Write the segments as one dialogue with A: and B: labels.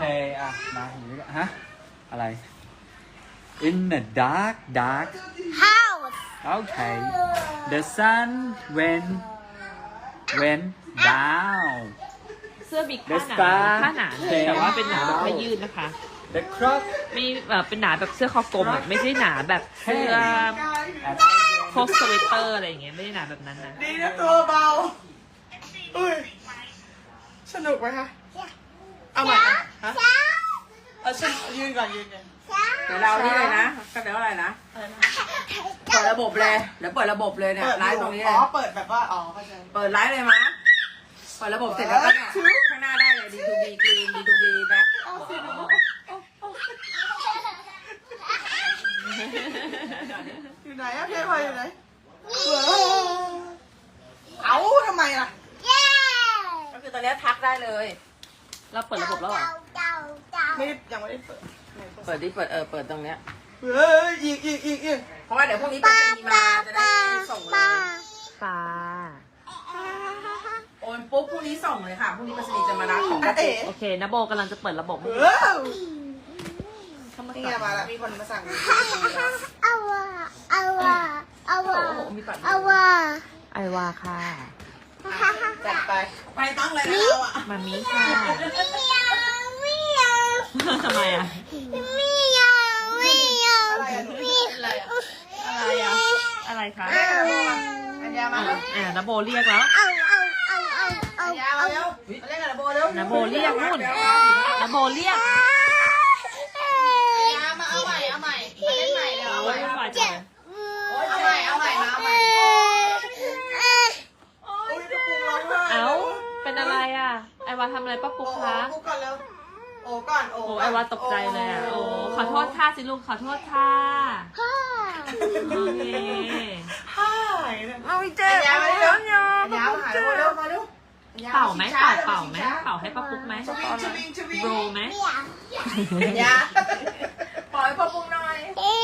A: อ่ะมาอย่างนี้ฮะอะไร in the dark
B: House.
A: okay the sun went down
C: เสื้อบิ๊กผ้าหนาแต่ว่าเป็นหนาแบบผ้ายืดนะคะ
A: the clock
C: ไม่แบบเป็นหนาแบบเสื้อคอกลมอ่ะไม่ใช่หนาแบบเสื้อ
A: at
C: พวกสเวตเตอร์อะไรอย่างเงี้ยไม่ได้หนาแบบนั้นนะ
D: ดีนะตัวเบาอุ้ยสนุกไหมคะเอาใหม่ฮะเอาฉันยืนก่อนยืนก่อน
E: เดี๋ยวเรานี่เลยนะก็เดี๋ยวอะไรนะเปิดระบบเลยเดี๋ยวเปิดระบบเลยเนี่ยไลฟ์ตรงนี้เล
D: อ๋
E: ย
D: อเปิดแบบว่าอ๋อเข้าใจ
E: เปิดไลฟ์เลยมั้ยเปิดระบบเสร็จแล้วก็เนี่ยข้างหน้าได้เลย D2B Green D2B แบ็ค
D: อยู่ไหนอะพี่พลอยอยู่ไหนเอาทำไมล่ะ
E: ก็คือตอนนี้ทักได้เลย
C: เราเปิดระบบแล้วเหรอ
D: ไม่ยังไม่ได้เปิด
E: เปิดดิเปิดตรงเนี้ย
D: เฮ้ยอีก
E: เพราะว่าเดี๋ยวพรุ่งนี้ไปรษณีย์มาจะได้ส่งเลย
C: ฟ้า
E: โอนปุ๊บพรุ่งนี้ส่งเลยค่ะพรุ่งนี้ไปรษณีย์จะมารับของ
D: เอ๋
C: โอเคนะโบกำลังจะเปิดระบบให้
D: เฮ้ย
C: เข้ามา
D: นี่
C: สั่
D: ไง
C: ง
D: มาแล้วมีคนมาสั่ง
C: โอ้มีปัดไอวาค่ะ
D: จัดไป
E: ไปต้องเลยนะเราอ่ะ
C: มามีค่ะทำไมอ่ะ
D: อะไรอะหนูอะไรอะ
C: อะไรอ่ะอะไรคะ
D: อัญญามาแล้ว
C: นะโบเรียกแล้ว
D: อัญญามาแล้วมาเล่นกับระโบเร็ว
C: นะโบเรียกนู่นนะโบเรียก
D: อัญญามาเอาใหม่มาเล่นใหม่เร็วเอาใหม่
C: วุ่นวายจังเลย
D: เอาใหม่มาเอาใหม่โอ้ยจะปูร้องไห้
C: เอ้าเป็นอะไรอ่ะไอวาทำอะไรป้าปุ๊กคะ
D: ปูก่อนเร็วโอ้ก่อนโอ้
C: โอ้ไอวาตกใจเลยอ่ะโอ้ขอโทษค่ะสิลูกขอโทษค่ะโอเค
D: ฮ่า
E: เอาอีเจ๊
D: อัญญามาเร็วอัญญามาหาเร็วมาเร็ว
C: เป่าไหมเป่าไหมเป่าให้ป้าปุ๊กไหม
D: ชวิง
C: โรไหม
D: อัญญา
E: ปล่อยพ่อปุ้งหน่อย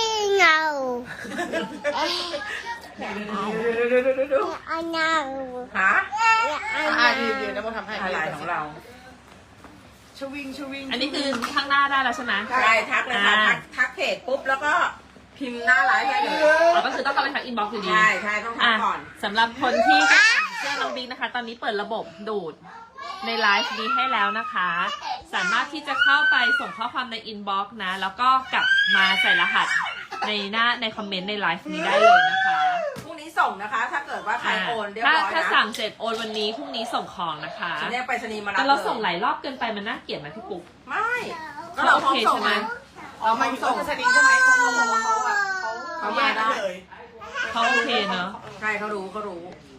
E: หา
D: ยืนนะโมทำให้
E: อะไรของเรา
D: ชวิง
C: อันนี้คือข้างหน้าได้แล้วใช่ไหม
E: ใช่ทักเลยค่ะทักเพจปุ๊บแล้วก็พิมพ์หน้าไลฟ์ได้เลย
C: อ๋อก็คือต้องเข้าไปทักอินบ็อกซ์อยู่ดี
E: ใช่ต้องทักก่อน
C: สำหรับคนที่จะสั่งเสื้อน้องบิ๊กนะคะ ตอนนี้เปิดระบบดูดในไลฟ์นี้ให้แล้วนะคะ สามารถที่จะเข้าไปส่งข้อความในอินบ็อกซ์นะ แล้วก็กลับมาใส่รหัสในคอมเมนต์ในไลฟ์นี้ได้เลยนะคะ
E: พรุ่งนี้ส่งนะคะ ถ้าเกิดว่าใครโอนเรียบร้อยนะ
C: ถ้าสั่งเสร็จโอนวันนี้พรุ่งนี้ส่งของนะคะ
E: จะเรียกไปรษณีย์มารับ
C: แต่เราส่งหลายรอบเกินไปมันน่าเกลียดไหมพี่ปุ๊ก
E: ไม่ก็เราพร้อมส่งไหม
D: เรามาส่งสลิงใช่ไหมเขาบอกว่าเขามาได้เลย
C: เขาโอเคเนอะ
E: ใช่เขารู้